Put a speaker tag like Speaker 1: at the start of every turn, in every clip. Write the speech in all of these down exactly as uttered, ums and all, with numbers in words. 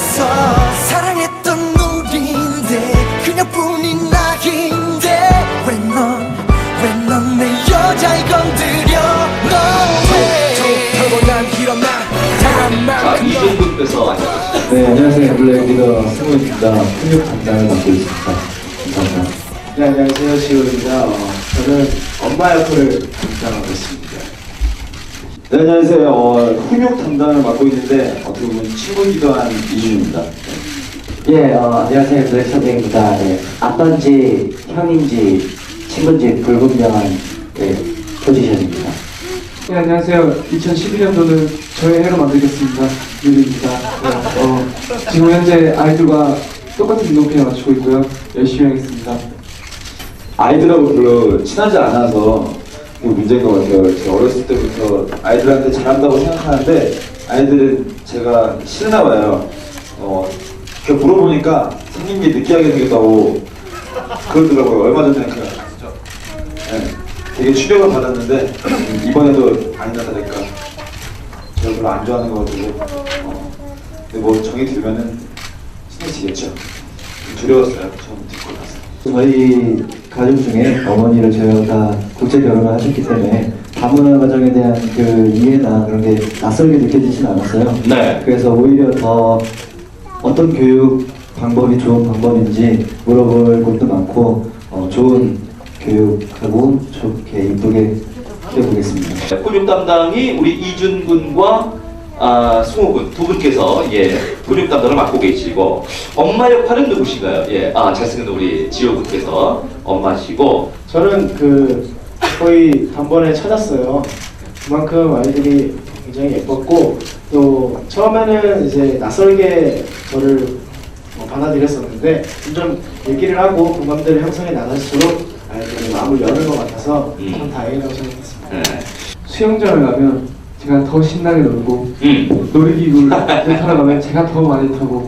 Speaker 1: 있어. 사랑했던 우리인데 그녀뿐인 나인데 왜 넌 왜 넌 내 여자를 건드려. No way. 톡하고 난 일어나 당한 만큼
Speaker 2: 이종국께서 안녕하십니까.
Speaker 3: 네, 안녕하세요. 블랙 리더 승우입니다. 훈육 담당을 맡고 있습니다. 감사합니다.
Speaker 4: 네, 안녕하세요. 지호입니다. 어, 저는 엄마 역할을 담당하고 있습니다.
Speaker 5: 네, 안녕하세요. 어, 훈육 담당을 맡고 있는데 어떻게 보면 친구이기도 한 이준입니다.
Speaker 3: 예, 어, 안녕하세요. 블랙 선생입니다. 네, 아빠인지 형인지 친구인지 불분명한 네, 포지션입니다.
Speaker 4: 네, 안녕하세요. 이천십일 년도는 저의 해로 만들겠습니다. 유리입니다. 네, 어, 지금 현재 아이들과 똑같은 운동편에 맞추고 있고요. 열심히 하겠습니다.
Speaker 5: 아이들하고 별로 친하지 않아서 그게 문제인 것 같아요. 제가 어렸을 때부터 아이들한테 잘한다고 생각하는데 아이들은 제가 싫나 봐요. 어, 그 물어보니까 생긴 게 느끼하게 생겼다고 그러더라고요. 얼마 전에 그 네, 되게 충격을 받았는데 이번에도 아니나 다를까 제가 별로 안 좋아하는 것 같아서 어, 근데 뭐 정이 들면은 친해지겠죠. 두려웠어요. 처음 듣고 나서.
Speaker 3: 저희 가족 중에 어머니를 저희가 국제 결혼을 하셨기 때문에 다문화 가정에 대한 그 이해나 그런 게 낯설게 느껴지진 않았어요.
Speaker 2: 네.
Speaker 3: 그래서 오히려 더 어떤 교육 방법이 좋은 방법인지 물어볼 것도 많고 어, 좋은 교육하고 좋게 이쁘게 키워보겠습니다.
Speaker 2: 훈육 담당이 우리 이준 군과 아, 승우 군 두 분께서 예 훈육 담당을 맡고 계시고 엄마 역할은 누구신가요? 예, 아 잘생긴 우리 지호 군께서 엄마시고
Speaker 4: 저는 그 거의 단번에 찾았어요. 그만큼 아이들이 굉장히 예뻤고 또 처음에는 이제 낯설게 저를 뭐 받아들였었는데 점점 얘기를 하고 공감대를 형성해 나갈수록 아이들이 마음을 여는 것 같아서
Speaker 2: 음.
Speaker 4: 참 다행이라고 생각했습니다.
Speaker 2: 네.
Speaker 4: 수영장을 가면 제가 더 신나게 놀고
Speaker 2: 음,
Speaker 4: 놀이기구를 타러 가면 제가 더 많이 타고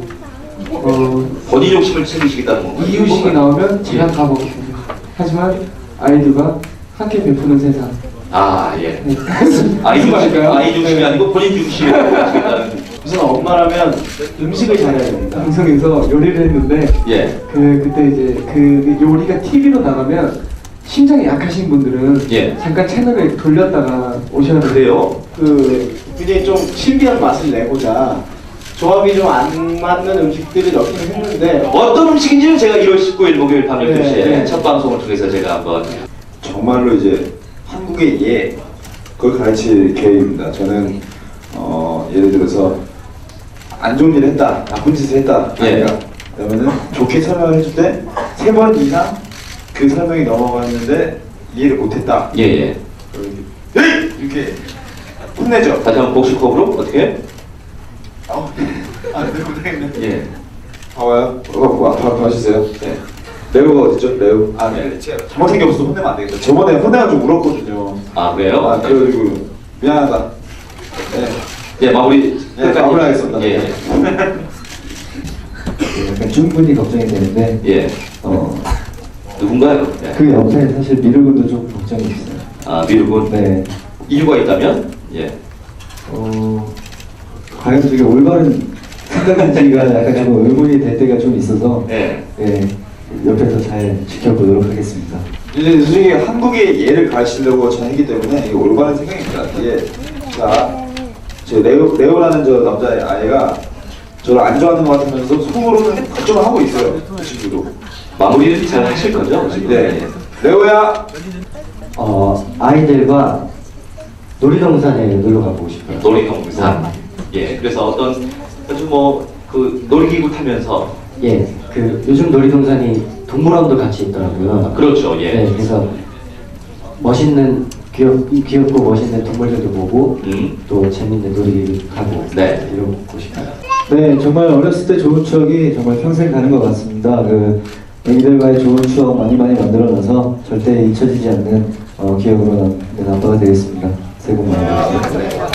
Speaker 4: 어,
Speaker 2: 본인 욕심을 챙기시겠다는 건가요?
Speaker 4: 이유식이 나오면 제가 다 먹거든요. 하지만 아이들과 함께 베푸는 세상.
Speaker 2: 아 예.
Speaker 4: 네.
Speaker 2: 아이 중심,
Speaker 4: 말까요?
Speaker 2: 아이 중심이
Speaker 4: 네.
Speaker 2: 아니고 본인 중심으로 하시겠다는.
Speaker 4: 우선 엄마라면 음식을 잘해야 됩니다. 방송에서 요리를 했는데
Speaker 2: 예.
Speaker 4: 그 그때 이제 그 요리가 티비로 나가면 심장이 약하신 분들은
Speaker 2: 예.
Speaker 4: 잠깐 채널을 돌렸다가 오셔야 돼요.
Speaker 2: 그래요?
Speaker 4: 그 굉장히 좀 신비한 맛을 내고자 조합이 좀 안 맞는 음식들을 넣기는 했는데
Speaker 2: 어떤 음식인지는 제가 일월 십구일 목요일 밤 열두 시에
Speaker 4: 네, 네.
Speaker 2: 첫 방송을 통해서 제가 한번
Speaker 5: 정말로 이제 한국의 예 그걸 가르칠 계획입니다. 저는 어, 예를 들어서 안 좋은 일을 했다, 나쁜 짓을 했다,
Speaker 2: 예.
Speaker 5: 아이가 그러면은 좋게 설명을 해줄 때 세 번 이상 그 설명이 넘어갔는데 이해를 못했다.
Speaker 2: 예예.
Speaker 5: 에이! 이렇게 혼내죠.
Speaker 2: 다시 한번 복식호흡으로 어떻게?
Speaker 5: 어, 아, 네, 못하겠네.
Speaker 2: 예.
Speaker 5: 봐봐요. 어, 봐, 봐, 봐주세요. 네. 레오가 어딨죠? 레오. 아, 네. 제가 잘못한 게 없어서 혼내면 안 되겠죠. 저번에 혼내가지고 울었거든요.
Speaker 2: 아 그래요?
Speaker 5: 아, 그래가지고 미안하다. 네.
Speaker 2: 예 마무리.
Speaker 5: 네, 마무리하겠습니다.
Speaker 2: 예.
Speaker 3: 약간 충분히 걱정이 되는데
Speaker 2: 예.
Speaker 3: 어,
Speaker 2: 누군가요? 예.
Speaker 3: 그 옆에 사실 미르군도 좀 걱정이 있어요.
Speaker 2: 아 미루군.
Speaker 3: 네.
Speaker 2: 이유가 있다면? 예.
Speaker 3: 어, 과연 저게 올바른 생각인지가 약간 좀 의문이 될 때가 좀 있어서
Speaker 2: 예.
Speaker 3: 네, 옆에서 잘 지켜보도록 하겠습니다.
Speaker 5: 이제 솔직히 한국의 예를 가르치려고 저는 했기 때문에 이게 올바른 생각입니다. 이게 자, 제 레오, 레오라는 저 남자 아이가 저를 안 좋아하는 것 같으면서 속으로는 걱정을 하고 있어요. 그 친구도.
Speaker 2: 마무리는 잘 하실 거죠? 지금?
Speaker 5: 네. 레오야.
Speaker 3: 어, 아이들과 놀이동산에 놀러 가보고 싶어요.
Speaker 2: 놀이동산. 예. 그래서 어떤 아주 뭐그 놀이기구 타면서
Speaker 3: 예, 그 요즘 놀이동산이 동물원도 같이 있더라고요.
Speaker 2: 그렇죠. 예.
Speaker 3: 네, 그래서 멋있는 귀엽, 귀엽고 멋있는 동물들도 보고
Speaker 2: 음.
Speaker 3: 또 재밌는 놀이기구 가고
Speaker 2: 네.
Speaker 3: 이러고 싶어요. 네, 정말 어렸을 때 좋은 추억이 정말 평생 가는 것 같습니다. 그 애기들과의 좋은 추억 많이 많이 만들어놔서 절대 잊혀지지 않는 어, 기억으로 남는 아빠가 되겠습니다. 새해 복 많이 받으세요.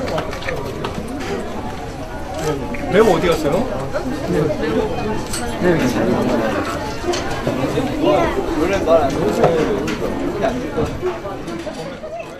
Speaker 1: 레오 어디 갔어요?
Speaker 5: 원래 말안 들으세요.